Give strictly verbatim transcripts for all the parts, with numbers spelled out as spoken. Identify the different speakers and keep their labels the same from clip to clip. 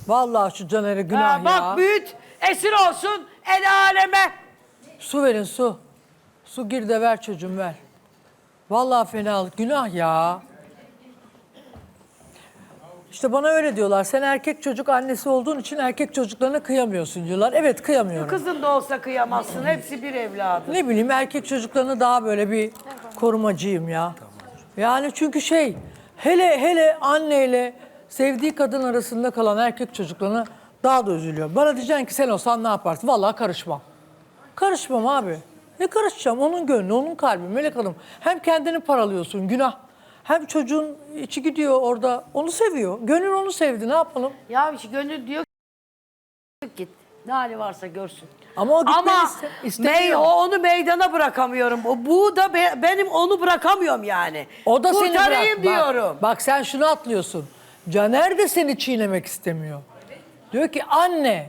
Speaker 1: Vallahi şu Caner'e günah
Speaker 2: Ha,
Speaker 1: ya.
Speaker 2: bak büyüt, esir olsun el aleme.
Speaker 1: Su verin su. Su gir de ver çocuğum ver. Vallahi fenalık günah ya. İşte bana öyle diyorlar. Sen erkek çocuk annesi olduğun için erkek çocuklarına kıyamıyorsun diyorlar. Evet kıyamıyorum.
Speaker 2: Kızın da olsa kıyamazsın. Hepsi bir evladı.
Speaker 1: Ne bileyim erkek çocuklarına daha böyle bir korumacıyım ya. Yani çünkü şey hele hele anneyle sevdiği kadın arasında kalan erkek çocuklarına daha da üzülüyor. Bana diyeceksin ki sen olsan ne yaparsın? Vallahi karışmam. Karışmam abi. Ne karışacağım? Onun gönlü, onun kalbi. Melek Hanım hem kendini paralıyorsun günah. Hem çocuğun içi gidiyor orada. Onu seviyor. Gönül onu sevdi. Ne yapalım?
Speaker 2: Ya işte gönül diyor ki git. Ne hali varsa görsün.
Speaker 1: Ama o gitmeni
Speaker 2: Ama
Speaker 1: iste, istemiyor.
Speaker 2: mey, o onu meydana bırakamıyorum. O, bu da be, benim onu bırakamıyorum yani.
Speaker 1: O da seni
Speaker 2: Kurtarayım
Speaker 1: bırak. Bak,
Speaker 2: diyorum.
Speaker 1: bak sen şunu atlıyorsun. Caner de seni çiğnemek istemiyor. Diyor ki anne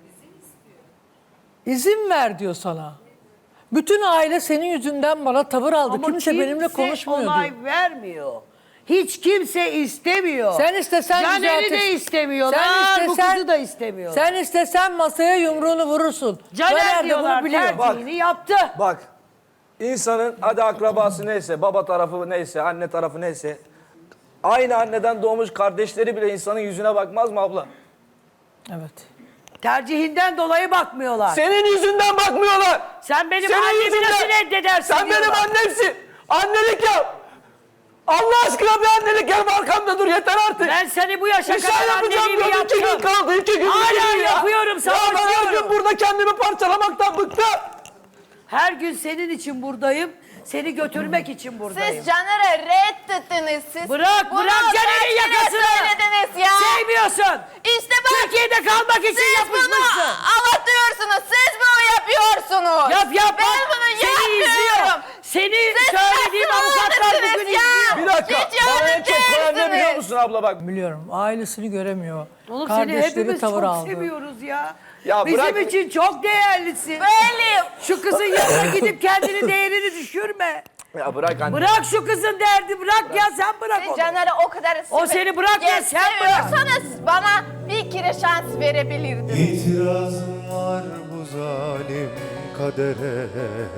Speaker 1: izin ver diyor sana. Bütün aile senin yüzünden bana tavır aldı.
Speaker 2: Ama
Speaker 1: kimse benimle konuşmuyor
Speaker 2: onay
Speaker 1: diyor.
Speaker 2: vermiyor. Hiç kimse istemiyor.
Speaker 1: Sen istesen
Speaker 2: Caner'i
Speaker 1: düzeltir.
Speaker 2: de istemiyorlar.
Speaker 1: Sen
Speaker 2: bu
Speaker 1: istesen-
Speaker 2: kızı da istemiyorlar.
Speaker 1: Sen istesen masaya yumruğunu vurursun.
Speaker 2: Caner
Speaker 1: de
Speaker 2: diyorlar
Speaker 1: bunu biliyor.
Speaker 2: tercihini yaptı.
Speaker 3: Bak, insanın hadi akrabası neyse, baba tarafı neyse, anne tarafı neyse, aynı anneden doğmuş kardeşleri bile insanın yüzüne bakmaz mı abla?
Speaker 1: Evet.
Speaker 2: Tercihinden dolayı bakmıyorlar.
Speaker 3: Senin yüzünden bakmıyorlar.
Speaker 2: Sen benim
Speaker 3: Senin
Speaker 2: annemi
Speaker 3: yüzünden.
Speaker 2: nasıl reddedersin
Speaker 3: Sen benim
Speaker 2: diyorlar.
Speaker 3: annemsin. Annelik yap. Allah aşkına bir annelik yap, arkamda dur yeter artık.
Speaker 2: Ben seni bu yaşa
Speaker 3: Bir şey
Speaker 2: kadar
Speaker 3: yapacağım
Speaker 2: anneliğimi
Speaker 3: diyorum, iki gün
Speaker 2: yaptım.
Speaker 3: kaldı, iki gün.
Speaker 2: Hala
Speaker 3: iki gün ya.
Speaker 2: yapıyorum,
Speaker 3: Ya ben her
Speaker 2: savaşıyorum.
Speaker 3: gün burada kendimi parçalamaktan bıktım.
Speaker 2: Her gün senin için buradayım. Seni götürmek için buradayım.
Speaker 4: Siz Caner'e reddettiniz. Siz
Speaker 2: Bırak,
Speaker 4: bunu
Speaker 2: bırak Caner'in
Speaker 4: kaç kere
Speaker 2: yakasını.
Speaker 4: söylediniz ya.
Speaker 2: Sevmiyorsun.
Speaker 4: İşte bak.
Speaker 2: Türkiye'de kalmak için
Speaker 4: Siz bunu
Speaker 2: yapışmışsın.
Speaker 4: anlatıyorsunuz. Siz bunu yapıyorsunuz.
Speaker 2: Yap yap
Speaker 4: Ben
Speaker 2: bak.
Speaker 4: bunu
Speaker 2: Seni izliyor.
Speaker 4: yapmıyorum.
Speaker 2: Seni
Speaker 4: Siz
Speaker 2: söylediğim
Speaker 4: nasıl
Speaker 2: avukatlar bugün
Speaker 4: öldürdünüz ya?
Speaker 2: izliyor.
Speaker 3: Bir dakika,
Speaker 4: Hiç
Speaker 3: bana en çok koyan ne biliyor
Speaker 4: değilsiniz.
Speaker 3: musun abla bak.
Speaker 1: Biliyorum. Ailesini göremiyor.
Speaker 2: Oğlum seni
Speaker 1: Kardeşleri
Speaker 2: hepimiz
Speaker 1: tavır
Speaker 2: çok
Speaker 1: aldı.
Speaker 2: seviyoruz ya.
Speaker 3: Ya
Speaker 2: Bizim
Speaker 3: bırak-
Speaker 2: için çok değerlisin.
Speaker 4: Böyleyim.
Speaker 2: Şu kızın yanına gidip kendini değerini düşürme.
Speaker 3: Ya bırak anne.
Speaker 2: Bırak şu kızın derdi bırak ya sen bırak
Speaker 4: Siz
Speaker 2: onu.
Speaker 4: Caner'e o kadar
Speaker 2: O seni bırak ya, sen bırak.
Speaker 4: seviyorsanız bana bir kere şans verebilirdiniz.
Speaker 5: İtirazım var bu zalim kadere,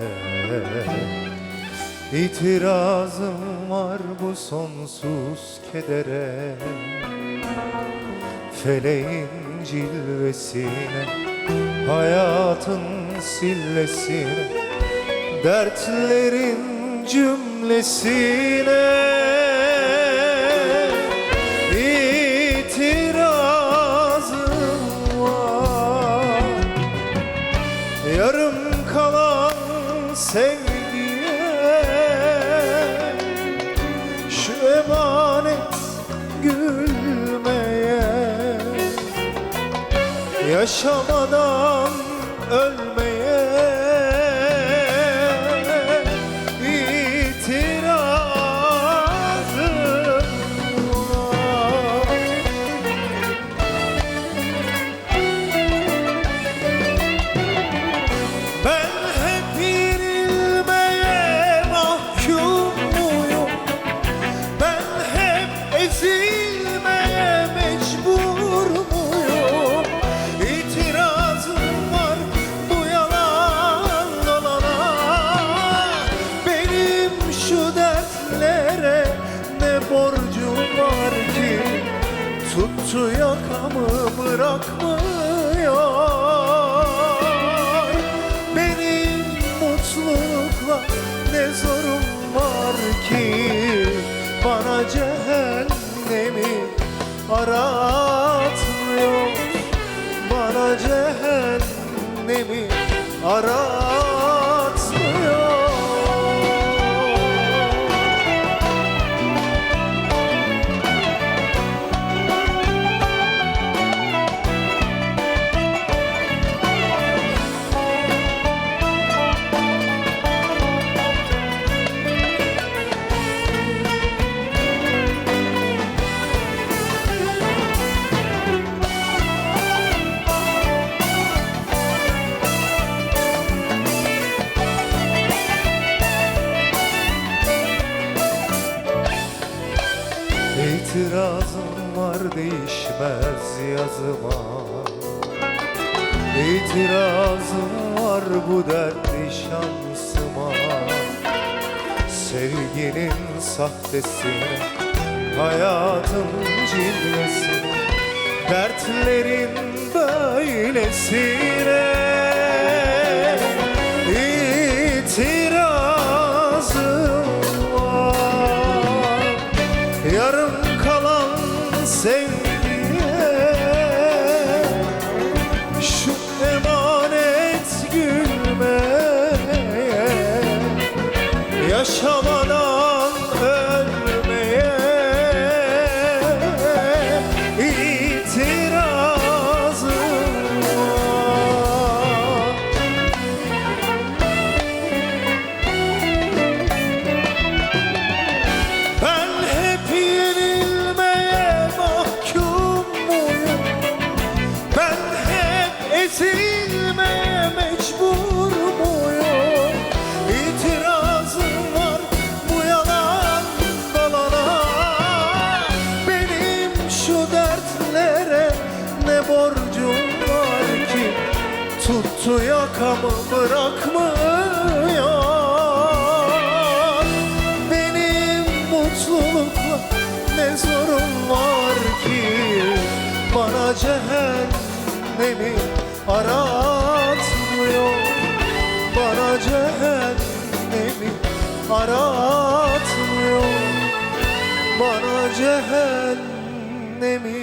Speaker 5: İtirazım var bu sonsuz kedere, feleğin cilvesine, hayatın sillesine, dertlerin cümlesine. İtirazım var yarım kalan sevgiye, şu emanet gülmeye, yaşamadan ölmeye. İtirazım var. Ben hep yenilmeye mahkum muyum? Ben hep ezilmeye mecbur muyum? İtirazım var bu yalan dolana. Benim şu dertlere ne borcum var ki? Tuttu yakamı bırakmıyor. Benim mutlulukla ne zorum var ki? Bana cehennemi aratmıyor. Bana cehennemi aratmıyor. yazıma. İtirazım var bu dertli şansıma. Sevginin sahtesine, hayatın cilvesine, dertlerin böylesine. İtirazım var yarım kalan sevgiye, şu emanet gülmeye, yaşamadan ölmeye. İtirazım var. Ben hep yenilmeye mahkum muyum? Ben hep ezilmeye mecbur muyum? İtirazım var bu yalan dolana. Benim şu dertlere ne borcum var ki? Tuttu yakamı bırakmıyor. Benim mutlulukla ne zorum var ki? Bana cehennemi aratmıyor. Bana cehennemi aratmıyor. Bana cehennemi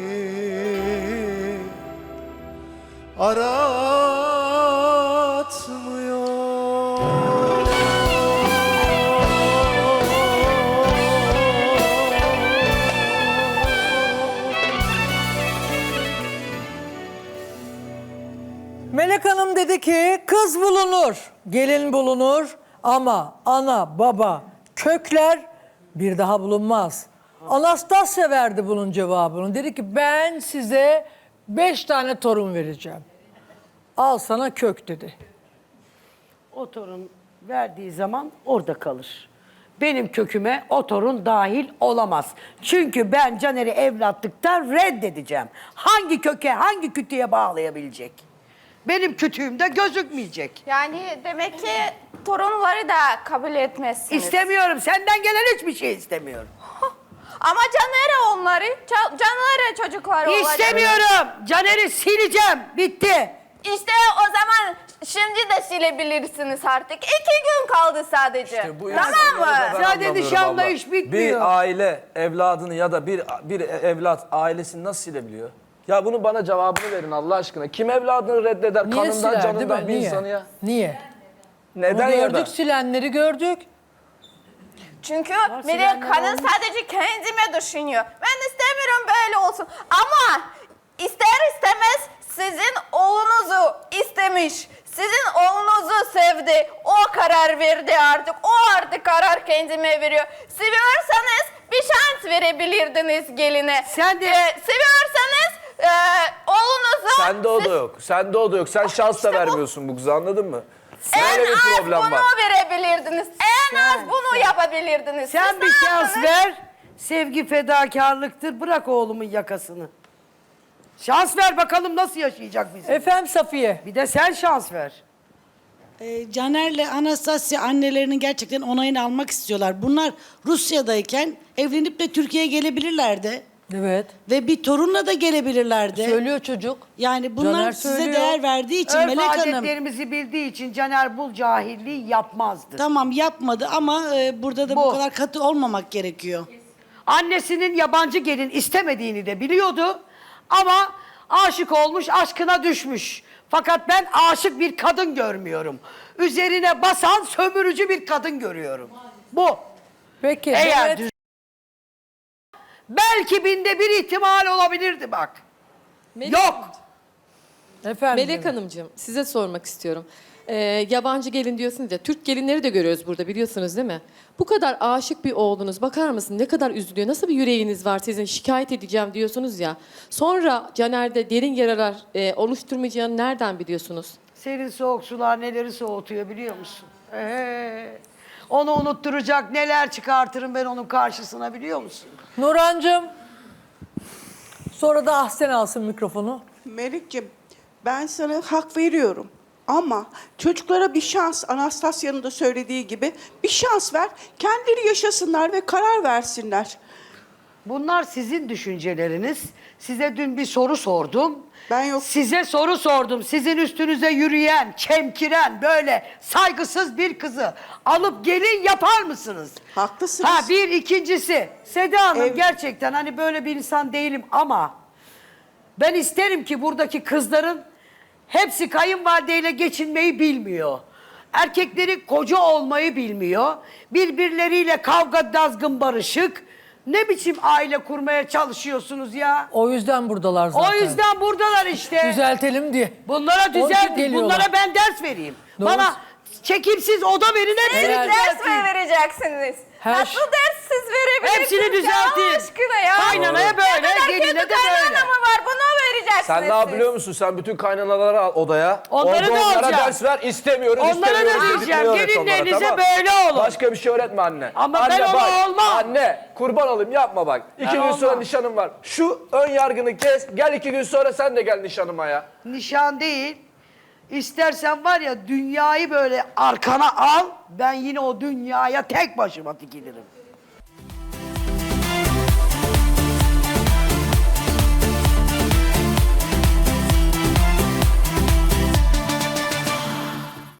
Speaker 5: aratmıyor.
Speaker 1: Melek Hanım dedi ki kız bulunur, gelin bulunur ama ana, baba, kökler bir daha bulunmaz. Anastasya verdi bunun cevabını. Dedi ki ben size beş tane torun vereceğim. Al sana kök dedi.
Speaker 2: O torun verdiği zaman orada kalır. Benim köküme o torun dahil olamaz. Çünkü ben Caner'i evlatlıktan reddedeceğim. Hangi köke, hangi kütüğe bağlayabilecek? Benim kütüğümde gözükmeyecek.
Speaker 4: Yani demek ki torunları da kabul etmezsiniz.
Speaker 2: İstemiyorum. Senden gelen hiçbir şey istemiyorum.
Speaker 4: Ama Caner'e onları, Ca- Caner'e çocukları olacak.
Speaker 2: İstemiyorum. Caner'i sileceğim. Bitti.
Speaker 4: İşte o zaman şimdi de silebilirsiniz artık. İki gün kaldı sadece.
Speaker 3: İşte bu
Speaker 4: Tamam
Speaker 3: insanları da
Speaker 4: mı?
Speaker 3: ben
Speaker 2: Sadece
Speaker 3: anlamıyorum
Speaker 2: nişanla
Speaker 3: abla.
Speaker 2: iş bitmiyor.
Speaker 3: Bir aile evladını ya da bir bir evlat ailesini nasıl silebiliyor? Ya bunun bana cevabını verin Allah aşkına. Kim evladını reddeder
Speaker 1: Niye
Speaker 3: kanından
Speaker 1: siler değil
Speaker 3: canından
Speaker 1: mi?
Speaker 3: bir
Speaker 1: Niye?
Speaker 3: insanı ya?
Speaker 1: Niye?
Speaker 3: Neden
Speaker 1: Onu
Speaker 3: ya
Speaker 1: gördük,
Speaker 3: da?
Speaker 1: silenleri gördük.
Speaker 4: Çünkü
Speaker 2: silenler
Speaker 4: Melek Hanım
Speaker 2: olmuş.
Speaker 4: sadece kendime düşünüyor. Ben istemiyorum böyle olsun. Ama ister istemez sizin oğlunuzu istemiş. Sizin oğlunuzu sevdi. O karar verdi artık. O artık karar kendime veriyor. Seviyorsanız bir şans verebilirdiniz geline.
Speaker 2: Sen de-
Speaker 4: Ee, seviyorsanız e, oğlunuzu...
Speaker 3: Sende o da
Speaker 4: siz-
Speaker 3: yok. Sende o da yok. Sen şans da
Speaker 4: İşte bu-
Speaker 3: vermiyorsun bu kıza anladın mı?
Speaker 4: En
Speaker 3: Böyle bir
Speaker 4: az
Speaker 3: problem
Speaker 4: bunu
Speaker 3: var.
Speaker 4: verebilirdiniz. En az bunu yapabilirdiniz.
Speaker 2: Sen
Speaker 4: Siz
Speaker 2: bir
Speaker 4: ne
Speaker 2: şans
Speaker 4: yaptınız?
Speaker 2: ver. Sevgi fedakarlıktır. Bırak oğlumun yakasını. Şans ver bakalım nasıl yaşayacak bizi.
Speaker 1: Efendim Safiye.
Speaker 2: Bir de sen şans ver.
Speaker 6: Ee, Caner'le Anastasya annelerinin gerçekten onayını almak istiyorlar. Bunlar Rusya'dayken evlenip de Türkiye'ye gelebilirlerdi.
Speaker 1: Evet.
Speaker 6: Ve bir torunla da gelebilirlerdi.
Speaker 1: Söylüyor çocuk.
Speaker 6: Yani bunlar
Speaker 1: Caner
Speaker 6: size
Speaker 1: söylüyor.
Speaker 6: değer verdiği için
Speaker 2: Örf
Speaker 6: Melek Hanım
Speaker 2: adetlerimizi bildiği için Caner bu cahilliği yapmazdı.
Speaker 6: tamam yapmadı ama e, burada da bu.
Speaker 2: Bu.
Speaker 6: kadar katı olmamak gerekiyor.
Speaker 2: Annesinin yabancı gelin istemediğini de biliyordu. Ama aşık olmuş, aşkına düşmüş. Fakat ben aşık bir kadın görmüyorum. Üzerine basan sömürücü bir kadın görüyorum. Bu.
Speaker 1: Peki.
Speaker 2: Eğer
Speaker 1: Demet,
Speaker 2: düz- Belki binde bir ihtimal olabilirdi bak.
Speaker 7: Melek,
Speaker 2: Yok.
Speaker 1: efendim.
Speaker 7: Melek Hanımcığım size sormak istiyorum. Ee, yabancı gelin diyorsunuz ya, Türk gelinleri de görüyoruz burada biliyorsunuz değil mi? Bu kadar aşık bir oğlunuz bakar mısın ne kadar üzülüyor, nasıl bir yüreğiniz var sizin şikayet edeceğim diyorsunuz ya. Sonra Caner'de derin yaralar e, oluşturmayacağını nereden biliyorsunuz?
Speaker 2: Serin soğuk sular neleri soğutuyor biliyor musun? Ee, onu unutturacak neler çıkartırım ben onun karşısına biliyor musun?
Speaker 1: Nurhancığım. Sonra da Ahsen alsın mikrofonu.
Speaker 8: Melik'ciğim ben sana hak veriyorum. Ama çocuklara bir şans, Anastasya'nın da söylediği gibi bir şans ver. Kendileri yaşasınlar ve karar versinler.
Speaker 2: Bunlar sizin düşünceleriniz. Size dün bir soru sordum.
Speaker 8: Ben yok.
Speaker 2: Size soru sordum. Sizin üstünüze yürüyen, çemkiren, böyle saygısız bir kızı alıp gelin yapar mısınız?
Speaker 8: Haklısınız.
Speaker 2: Ha bir ikincisi. Seda Hanım
Speaker 8: Ev-
Speaker 2: gerçekten hani böyle bir insan değilim ama ben isterim ki buradaki kızların hepsi kayınvalideyle geçinmeyi bilmiyor. Erkekleri koca olmayı bilmiyor. Birbirleriyle kavga, dazgın, barışık. Ne biçim aile kurmaya çalışıyorsunuz ya?
Speaker 1: O yüzden buradalar zaten.
Speaker 2: O yüzden buradalar işte.
Speaker 1: Düzeltelim diye.
Speaker 2: Bunlara
Speaker 1: Onun için
Speaker 2: düzelt,
Speaker 1: geliyorlar.
Speaker 2: bunlara ben ders vereyim.
Speaker 1: Doğru.
Speaker 2: Bana çekimsiz oda verin, hepsini
Speaker 4: Siz
Speaker 1: Evet.
Speaker 4: ders
Speaker 2: düzelteyim.
Speaker 4: mi vereceksiniz?
Speaker 1: Her
Speaker 4: Nasıl
Speaker 1: şey-
Speaker 4: ders siz verebilirsiniz?
Speaker 2: Hepsini düzelteyim.
Speaker 4: Ya Allah aşkına ya.
Speaker 2: Kaynanaya böyle,
Speaker 4: Ne kadar
Speaker 2: geline
Speaker 4: kötü
Speaker 2: de böyle.
Speaker 4: kaynana mı var? Bunu vereceksiniz
Speaker 3: Sen ne
Speaker 4: siz.
Speaker 3: biliyor musun? Sen bütün kaynanaları al odaya.
Speaker 2: Onları
Speaker 3: Orada
Speaker 2: da
Speaker 3: onlara
Speaker 2: alacağım.
Speaker 3: ders ver. İstemiyoruz,
Speaker 2: Onlara da
Speaker 3: istemiyoruz.
Speaker 2: diyeceğim,
Speaker 3: dediklerini öğret onlara,
Speaker 2: gelinlerinize
Speaker 3: tamam.
Speaker 2: böyle olun.
Speaker 3: Başka bir şey öğretme anne.
Speaker 2: Ama
Speaker 3: anne,
Speaker 2: ben ona
Speaker 3: bak,
Speaker 2: olmam.
Speaker 3: Anne kurban olayım yapma bak. İki gün
Speaker 2: olmam.
Speaker 3: sonra nişanım var. Şu ön yargını kes. Gel iki gün sonra sen de gel nişanıma ya.
Speaker 2: Nişan değil. İstersen var ya dünyayı böyle arkana al. Ben yine o dünyaya tek başıma dikilirim.